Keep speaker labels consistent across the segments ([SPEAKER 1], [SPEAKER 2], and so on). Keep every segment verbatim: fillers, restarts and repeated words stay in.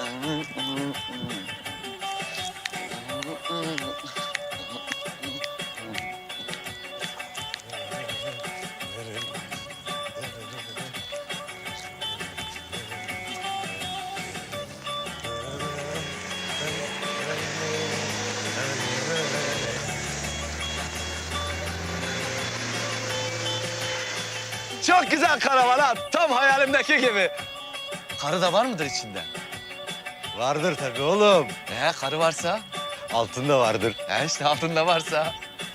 [SPEAKER 1] Çok güzel karavan ha. Tam hayalimdeki gibi. Karı da var mıdır içinde?
[SPEAKER 2] Vardır tabii oğlum.
[SPEAKER 1] Ee, karı varsa?
[SPEAKER 2] Altında vardır.
[SPEAKER 1] He işte altında varsa.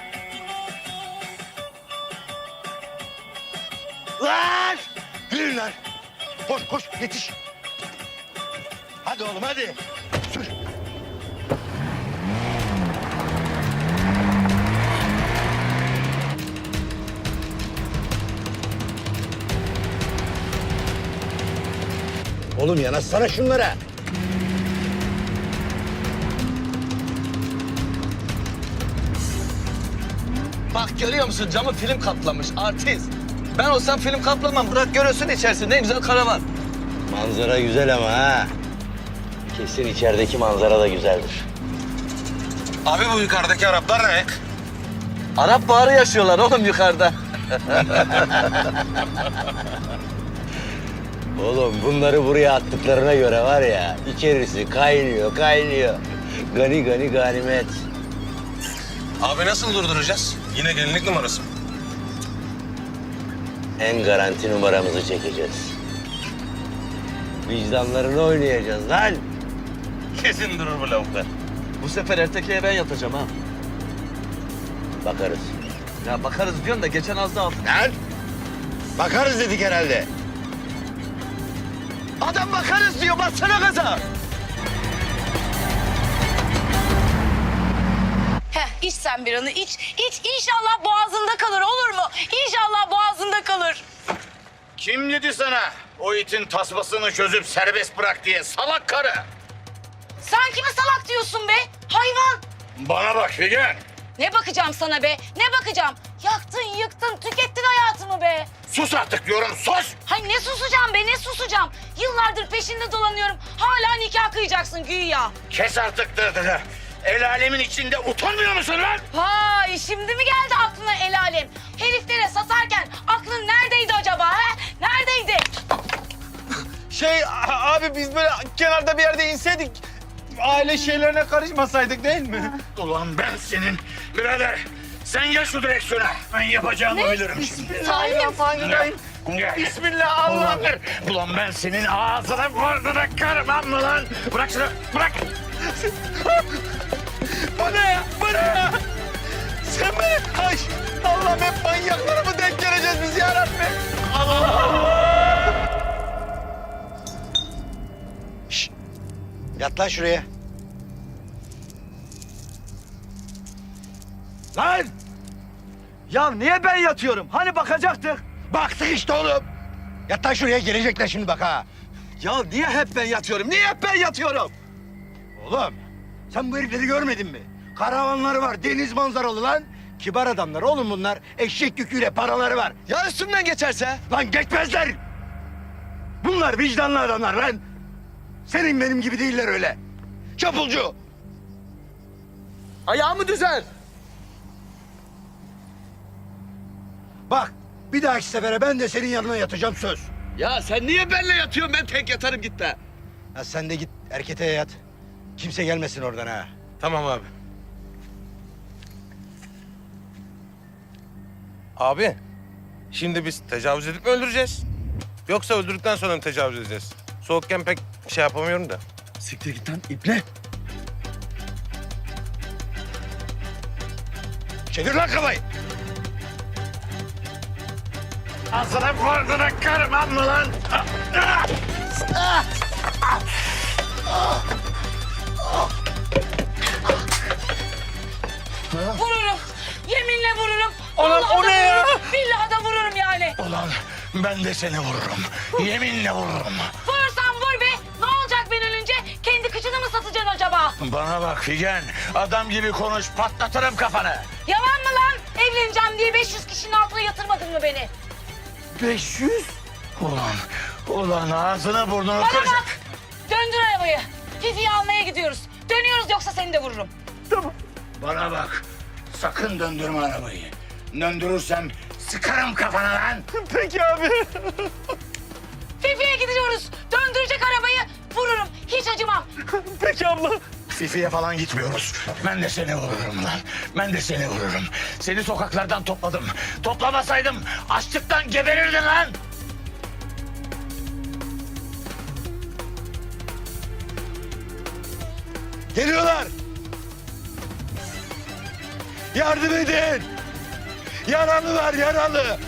[SPEAKER 2] Lan! Yürü lan! Koş koş yetiş. Hadi oğlum hadi. Sür. Oğlum yanaşsana şunlara.
[SPEAKER 1] Bak görüyor musun camı film kaplamış artist. Ben olsam film kaplamam. Bırak görürsün içerisinde ne güzel karavan.
[SPEAKER 2] Manzara güzel ama ha. Kesin içerideki manzara da güzeldir.
[SPEAKER 3] Abi bu yukarıdaki Araplar ne?
[SPEAKER 1] Arap baharı yaşıyorlar oğlum yukarıda.
[SPEAKER 2] Oğlum bunları buraya attıklarına göre var ya, içerisi kaynıyor, kaynıyor. Gani gani ganimet.
[SPEAKER 3] Abi nasıl durduracağız? Yine gelinlik numarası mı?
[SPEAKER 2] En garanti numaramızı çekeceğiz. Vicdanlarını oynayacağız lan.
[SPEAKER 3] Kesin durur bu lavuklar.
[SPEAKER 1] Bu sefer erkekliğe ben yatacağım ha.
[SPEAKER 2] Bakarız.
[SPEAKER 1] Ya bakarız diyorsun da geçen az daha aldım.
[SPEAKER 2] Lan! Bakarız dedik herhalde.
[SPEAKER 1] Adam bakarız diyor bassana gaza.
[SPEAKER 4] Heh, iç sen bir anı iç. İç inşallah boğazında kalır olur mu? İnşallah boğazında kalır.
[SPEAKER 5] Kim dedi sana o itin tasmasını çözüp serbest bırak diye salak karı?
[SPEAKER 4] Sen kime salak diyorsun be? Hayvan.
[SPEAKER 5] Bana bak Figen.
[SPEAKER 4] Ne bakacağım sana be? Ne bakacağım? Yaktın, yıktın, tükettin hayatımı be.
[SPEAKER 5] Sus artık diyorum sus.
[SPEAKER 4] Hay ne susacağım be, ne susacağım? Yıllardır peşinde dolanıyorum. Hala nikah kıyacaksın güya.
[SPEAKER 5] Kes artık dırdırı. El alemin içinde utanmıyor musun lan?
[SPEAKER 4] Vay şimdi mi geldi aklına el alem? Heriflere satarken aklın neredeydi acaba he? Neredeydi?
[SPEAKER 1] Şey abi biz böyle kenarda bir yerde inseydik aile şeylerine karışmasaydık değil mi?
[SPEAKER 5] Ulan ben senin birader. Sen gel şu direksiyona. Ben yapacağımı bilirim şimdi.
[SPEAKER 1] Bismillahirrahmanirrahim.
[SPEAKER 5] Gel.
[SPEAKER 1] Bismillah Allah.
[SPEAKER 5] Ulan, ulan ben senin ağzına burnuna karmam mı lan? Bırak şunu bırak.
[SPEAKER 1] Bu ne ya? Bu ne ya? Sen beni... Ay Allah'ım hep manyaklara mı denk geleceğiz biz ya Rabbi?
[SPEAKER 2] Şşt! Yat lan şuraya.
[SPEAKER 1] Lan! Ya niye ben yatıyorum? Hani bakacaktık?
[SPEAKER 2] Baktık işte oğlum. Yat lan şuraya, gelecekler şimdi bak ha.
[SPEAKER 1] Ya niye hep ben yatıyorum? Niye hep ben yatıyorum?
[SPEAKER 2] Oğlum sen bu herifleri görmedin mi? Karavanları var, deniz manzaralı lan. Kibar adamlar oğlum bunlar. Eşek yüküyle paraları var.
[SPEAKER 1] Ya üstümden geçerse?
[SPEAKER 2] Lan geçmezler. Bunlar vicdanlı adamlar lan. Senin benim gibi değiller öyle. Çapulcu.
[SPEAKER 1] Ayağımı düzel.
[SPEAKER 2] Bak bir dahaki sefere ben de senin yanına yatacağım söz.
[SPEAKER 1] Ya sen niye benimle yatıyorsun? Ben tek yatarım git be.
[SPEAKER 2] Ya sen de git erkete yat. Kimse gelmesin oradan ha.
[SPEAKER 3] Tamam abi. Abi, şimdi biz tecavüz edip mi öldüreceğiz? Yoksa öldürdükten sonra mı tecavüz edeceğiz? Soğukken pek şey yapamıyorum da.
[SPEAKER 1] Siktir git lan iple.
[SPEAKER 2] Çevir lan kafayı.
[SPEAKER 5] Ağzına burnuna karmam mı lan?
[SPEAKER 4] Vururum. Yeminle vururum.
[SPEAKER 1] Ulan
[SPEAKER 4] Vallahi
[SPEAKER 1] o
[SPEAKER 4] da
[SPEAKER 1] ne ya?
[SPEAKER 4] vururum, billahi da vururum yani.
[SPEAKER 5] Ulan ben de seni vururum. Yeminle vururum.
[SPEAKER 4] Vurursan vur be. Ne olacak ben ölünce? Kendi kıçını mı satacaksın acaba?
[SPEAKER 5] Bana bak Figen. Adam gibi konuş patlatırım kafanı.
[SPEAKER 4] Yalan mı lan? Evleneceğim diye beş yüz kişinin altına yatırmadın mı beni?
[SPEAKER 5] beş yüz? Ulan, ulan ağzına burnunu
[SPEAKER 4] Bana
[SPEAKER 5] kıracak.
[SPEAKER 4] bak. Döndür arabayı. Fifi'yi almaya gidiyoruz. Dönüyoruz yoksa seni de vururum.
[SPEAKER 5] Bana bak. Sakın döndürme arabayı. Döndürürsem sıkarım kafana lan.
[SPEAKER 1] Peki abi.
[SPEAKER 4] Fifi'ye gidiyoruz. Döndürecek arabayı vururum. Hiç acımam.
[SPEAKER 1] Peki abla.
[SPEAKER 5] Fifi'ye falan gitmiyoruz. Ben de seni vururum lan. Ben de seni vururum. Seni sokaklardan topladım. Toplamasaydım açlıktan geberirdin lan.
[SPEAKER 2] Geliyorlar. Yardım edin. Yaralılar yaralı.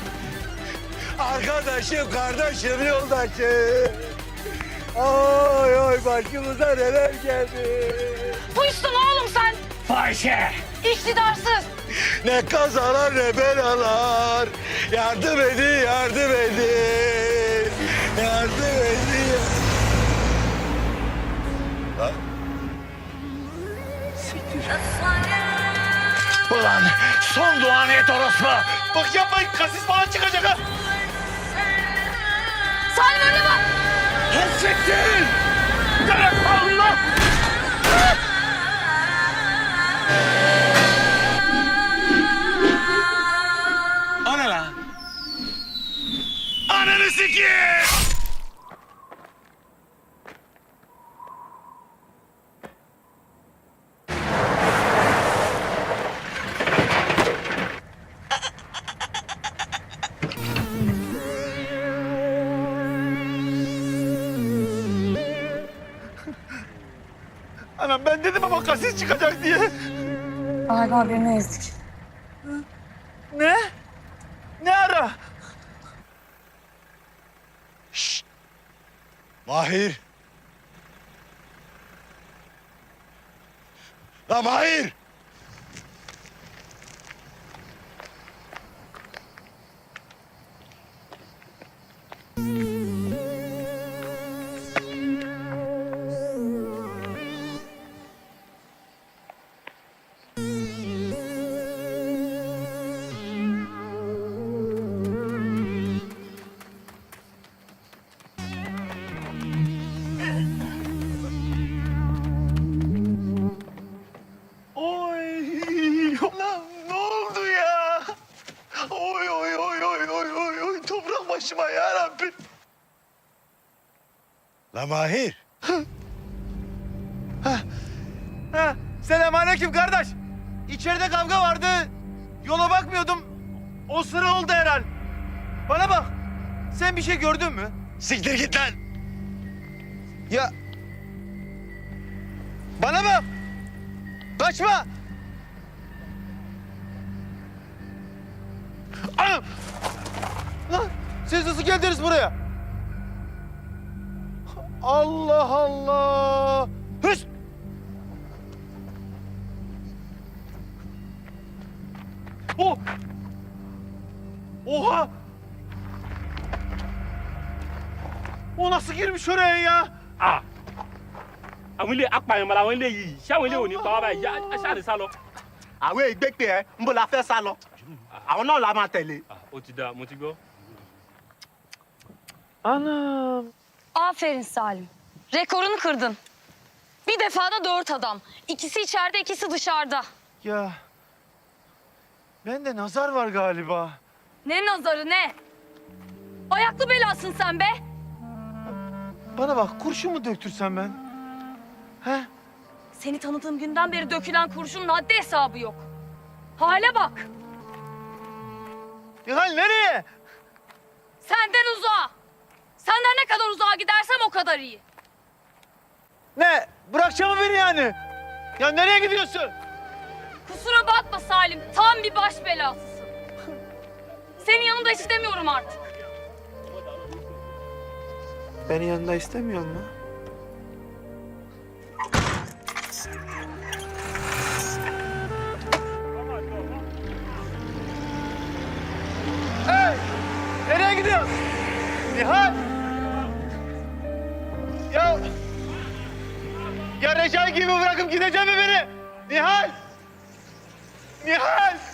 [SPEAKER 2] Arkadaşım, kardeşim, yoldaşım. Oy oy başımıza neler geldi.
[SPEAKER 4] Buysun oğlum sen.
[SPEAKER 5] Fahişe.
[SPEAKER 4] İktidarsız.
[SPEAKER 2] Ne kazalar ne belalar. Yardım edin, yardım edin. Yardım edin. Lan.
[SPEAKER 5] Ulan son duanı et orospu.
[SPEAKER 1] Bak yapmayın kasis falan çıkacak ha.
[SPEAKER 4] Salim önüne bak.
[SPEAKER 5] Hasrettin.
[SPEAKER 1] Allah.
[SPEAKER 3] O ne lan?
[SPEAKER 5] Ananı sikeyim.
[SPEAKER 1] Anam ben dedim ama kasis çıkacak diye.
[SPEAKER 4] Galiba birini ezdik.
[SPEAKER 1] Ne? Ne ara?
[SPEAKER 2] Mahir. La Mahir.
[SPEAKER 1] Oy. Lan ne oldu ya? Oy oy oy oy oy oy oy. Toprak başıma ya Rabbi.
[SPEAKER 2] La Mahir.
[SPEAKER 1] Ha, selamünaleyküm kardeş. İçeride kavga vardı. Yola bakmıyordum. O sıra oldu herhal. Bana bak. Sen bir şey gördün mü?
[SPEAKER 2] Siktir git lan.
[SPEAKER 1] Ya. Bana bak. Kaçma. Anam. Lan siz nasıl geldiniz buraya? Allah Allah. Hıs. Oh. Oha. O nasıl girmiş oraya ya?
[SPEAKER 6] Ah àwọn ilé apààyàn làwọn ilé yìí ṣé àwọn ilé ò ní pa wá báyìí yá aṣáàlì sá lọ.
[SPEAKER 7] àwọn ìgbẹ́pẹ́ ẹ ń bọ̀ la fẹ́ sá lọ àwọn náà la máa tẹ̀lé.
[SPEAKER 6] ó ti dáa mo ti gbọ́.
[SPEAKER 1] Anam.
[SPEAKER 8] Aferin Salim. Rekorunu kırdın. Bir defada dört adam. İkisi içeride, ikisi dışarıda.
[SPEAKER 1] Ya. Bende nazar var galiba.
[SPEAKER 8] Ne nazarı ne? Ayaklı belasın sen be.
[SPEAKER 1] Bana bak kurşun mu döktürsem ben? He?
[SPEAKER 8] Seni tanıdığım günden beri dökülen kurşunun haddi hesabı yok. Hale bak.
[SPEAKER 1] Nihal nereye?
[SPEAKER 8] Senden uzağa. Senden ne kadar uzağa gidersem o kadar iyi.
[SPEAKER 1] Ne? Bırakacağım mı beni yani? Ya nereye gidiyorsun?
[SPEAKER 8] Kusura bakma Salim. Tam bir baş belasısın. Senin yanında istemiyorum artık.
[SPEAKER 1] Beni yanında istemiyor mu? Hey! Nereye gidiyorsun? Nihal! Ya... Ya Recai gibi bırakıp gidecek mi beni? Nihal! Nihal!